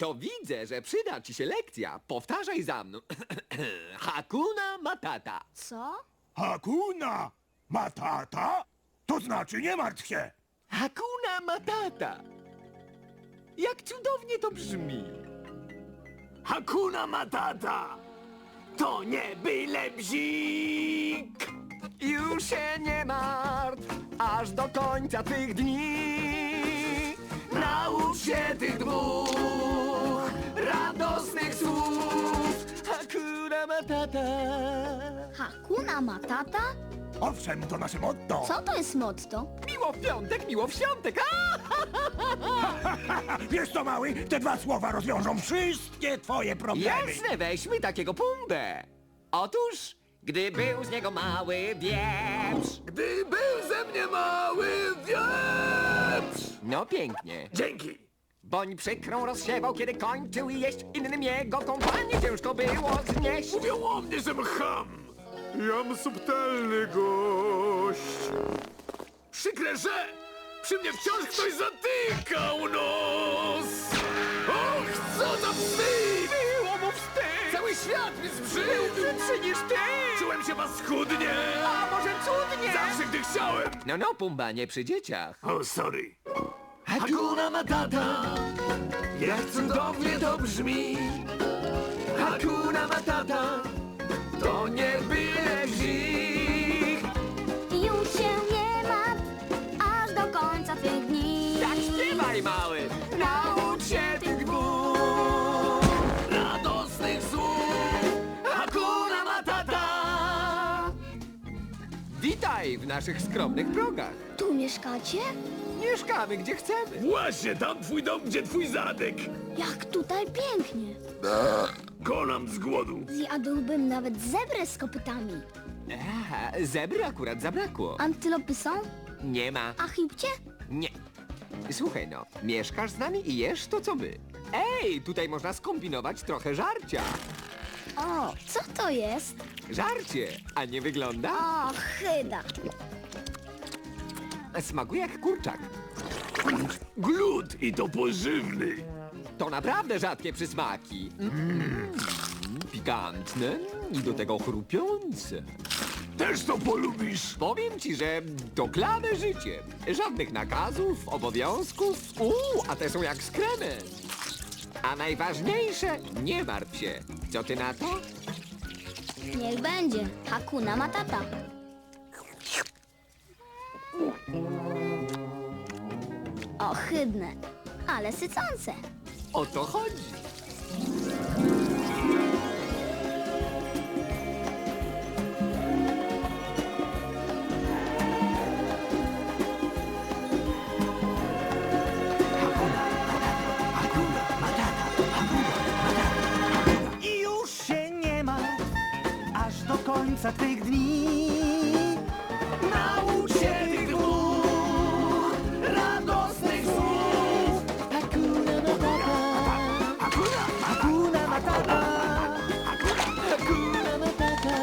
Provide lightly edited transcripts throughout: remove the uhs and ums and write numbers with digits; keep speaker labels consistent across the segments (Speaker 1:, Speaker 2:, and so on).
Speaker 1: To widzę, że przyda ci się lekcja. Powtarzaj za mną. Hakuna Matata.
Speaker 2: Co?
Speaker 3: Hakuna Matata? To znaczy nie martw się.
Speaker 1: Hakuna Matata. Jak cudownie to brzmi.
Speaker 4: Hakuna Matata! To nie byle bzik!
Speaker 1: Już się nie martw, aż do końca twych dni. Naucz się tych dwóch radosnych słów. Hakuna Matata.
Speaker 2: Hakuna Matata?
Speaker 3: Owszem, to nasze motto.
Speaker 2: Co to jest motto?
Speaker 1: Miło w piątek, miło w świątek.
Speaker 3: Wiesz co, mały? Te dwa słowa rozwiążą wszystkie twoje problemy.
Speaker 1: Jasne, weźmy takiego pumbę. Otóż, gdy był z niego mały wieprz.
Speaker 4: Gdy był ze mnie mały wieprz!
Speaker 1: No pięknie.
Speaker 4: Dzięki!
Speaker 1: Boń przykrą rozsiewał, kiedy kończył jeść. Innym jego kompanii ciężko było znieść.
Speaker 4: Mówią o mnie, że ham! Jam subtelny gość. Przykre, że przy mnie wciąż ktoś zatykał nos. Och, co za wstyd!
Speaker 1: Było mu wstyd.
Speaker 4: Cały świat mi zbrzydł!
Speaker 1: Brzydszy niż ty.
Speaker 4: Czułem się paskudnie!
Speaker 1: A może cudnie?
Speaker 4: Zawsze, gdy chciałem!
Speaker 1: No, Pumba, nie przy dzieciach.
Speaker 4: O, sorry. Hakuna Matata, jak cudownie to brzmi. Hakuna Matata, to nie byle bzik.
Speaker 2: Już się nie martw, aż do końca twych dni.
Speaker 1: Tak śpiewaj, mały. Naucz się tych dwóch
Speaker 4: Radosnych słów. Hakuna Matata.
Speaker 1: Witaj w naszych skromnych progach.
Speaker 2: Tu mieszkacie?
Speaker 1: Mieszkamy gdzie chcemy.
Speaker 4: Właśnie tam twój dom, gdzie twój zadek.
Speaker 2: Jak tutaj pięknie.
Speaker 4: Konam z głodu.
Speaker 2: Zjadłbym nawet zebrę z kopytami.
Speaker 1: Zebry akurat zabrakło.
Speaker 2: Antylopy są?
Speaker 1: Nie ma.
Speaker 2: A hipcie?
Speaker 1: Nie. Słuchaj no, mieszkasz z nami i jesz to co my. Ej, tutaj można skombinować trochę żarcia.
Speaker 2: O, co to jest?
Speaker 1: Żarcie, a nie wygląda?
Speaker 2: O, chyda.
Speaker 1: Smakuje jak kurczak.
Speaker 4: Glut i to pożywny.
Speaker 1: To naprawdę rzadkie przysmaki. Pikantne i do tego chrupiące.
Speaker 4: Też to polubisz.
Speaker 1: Powiem ci, że to klane życie. Żadnych nakazów, obowiązków. A te są jak z kremem. A najważniejsze, nie martw się. Co ty na to?
Speaker 2: Niech będzie. Hakuna Matata. Ohydne, ale sycące.
Speaker 1: O to chodzi.
Speaker 5: I już się nie ma, aż do końca tych dni.
Speaker 4: Naucz się tych dwóch radosnych słów.
Speaker 5: Hakuna Matata, Hakuna Matata, Hakuna Matata,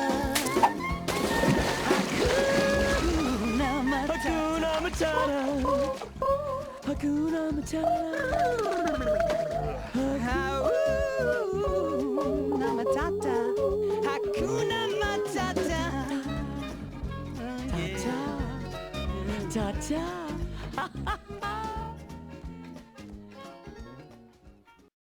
Speaker 5: Hakuna Matata, Hakuna Matata, Hakuna Matata, Hakuna Matata. Ta-ta, ta-ta.